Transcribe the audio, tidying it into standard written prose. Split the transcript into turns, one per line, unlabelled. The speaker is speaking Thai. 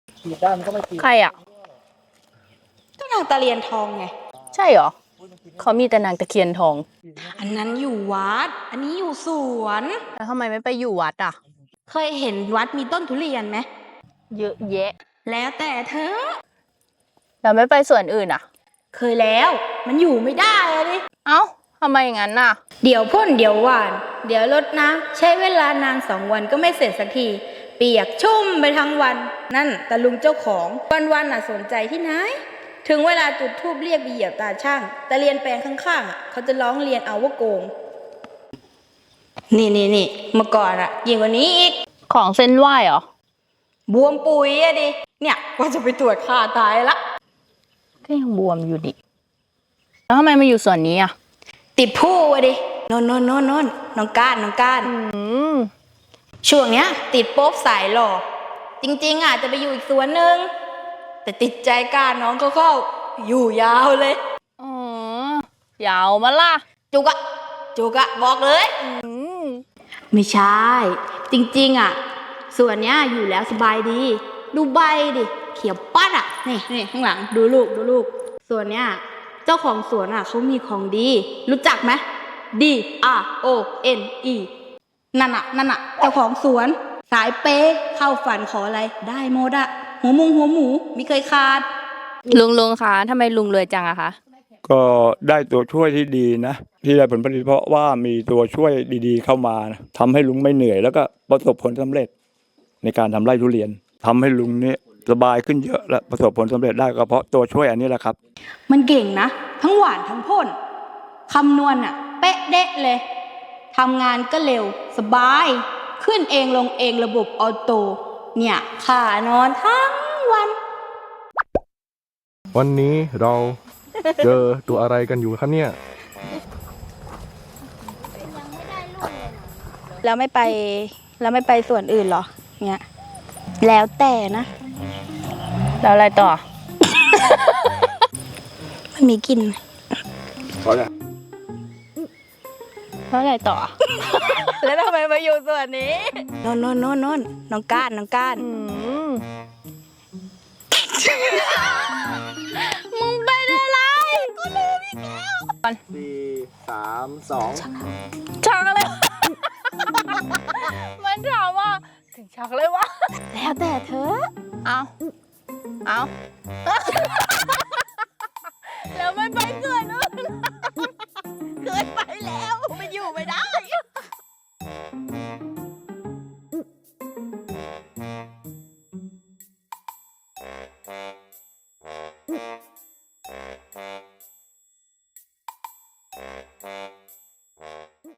ขีดได้มันก็ไม่ขีด
ใครอ่ะ
ก็นางตะเรียนทองไง
ใช่เหรอเขามีแต่นางตะเคียนทอง
อันนั้นอยู่วัด อันนี้อยู่สวน
แล้วทำไมไม่ไปอยู่วัดอ่ะ
เคยเห็นวัดมีต้นทุเรียนไหม
เยอะแยะ
แล้วแต่เธอ
แล้วไม่ไปส่วนอื่นอ่ะ
เคยแล้วมันอยู่ไม่ได้อะดิ
เอ้าทำไมอย่างนั้นน่ะ
เดี๋ยวพ่นเดี๋ยวหวาน เดี๋ยวรดน้ำใช้เวลานาน2 วันก็ไม่เสร็จสักที เปียกชุ่มไปทั้งวัน นั่นตะลุงเจ้าของวันๆน่ะสนใจที่ไหน ถึงเวลาจุดธูปเรียกไปเหยียบตาช่างตะเรียนแปลงข้างๆอ่ะเขาจะร้องเรียนเอาว่าโกง นี่เมื่อก่อนอ่ะยิ่งกว่านี้อีก
ของเส้นไหว้เหรอ
บวมปุ๋ยอะดิ เนี่ยว่าจะไปตรวจค่าตายละ
ก็ยังบวมอยู่ดิ แล้วทำไมมาอยู่ส่วนนี้อ่ะ
ติดผู้อะดิโนนน้องก้านช่วงเนี้ย ติดโป๊บสายหล่อจริงๆอาจจะไปอยู่อีกสวนหนึ่งแต่ติดใจก้านน้องเข้าอยู่ยาวเลย
อ๋อ ยาวมาล่ะ
จุกอะบอกเลย ไม่ใช่ จริงๆอ่ะส่วนเนี้ยอยู่แล้วสบายดี ดูใบดิเขียวปัดอ่ะนี่ข้างหลังดูลูกส่วนเนี้ยเจ้าของสวนอ่ะเขามีของดี รู้จักไหม DRONE นั่นน่ะเจ้าของสวนสายเปย์เข้าฝันขออะไรได้หมดอ่ะหัวหมูไม่เคยขาด
ลุงคะทำไมลุงรวยจังอะคะ
ก็ได้ตัวช่วยที่ดีนะที่ได้ผลผลิตเพราะว่ามีตัวช่วยดีๆเข้ามานะทำให้ลุงไม่เหนื่อยแล้วก็ประสบผลสำเร็จในการทำไร่ทุเรียนทำให้ลุงเนี่ยสบายขึ้นเยอะและประสบผลสำเร็จได้ก็เพราะตัวช่วยอันนี้แหละครับ
มันเก่งนะทั้งหวานทั้งพ่นคำนวณอ่ะเป๊ะเด๊ะเลยทำงานก็เร็วสบาย ขึ้นเองลงเองระบบออโต้เนี่ยขานอนทั้งวัน
วันนี้เราเจอตัวอะไรกันอยู่ครับเนี่ย
แล้วไม่ไปส่วนอื่นเหรอเนี่ยแล้วแต่นะ
แล้วอะไรต่อ
มันมีกลิน
แล้วอะไรต่อ แล้วทำไมมาอยู่ส่วนนี้
โน่นน้องก้าน
มึงเป็นอะไรกูลืมอีกแล้ว
4 3 2
ชักอะไรวะ มันถามว่าถึงชักเลยวะ
แล้วแต่เธอ
เอา แล้วไม่ไปเกินอื่นเคยไปแล้ว ไปอยู่ไม่ได้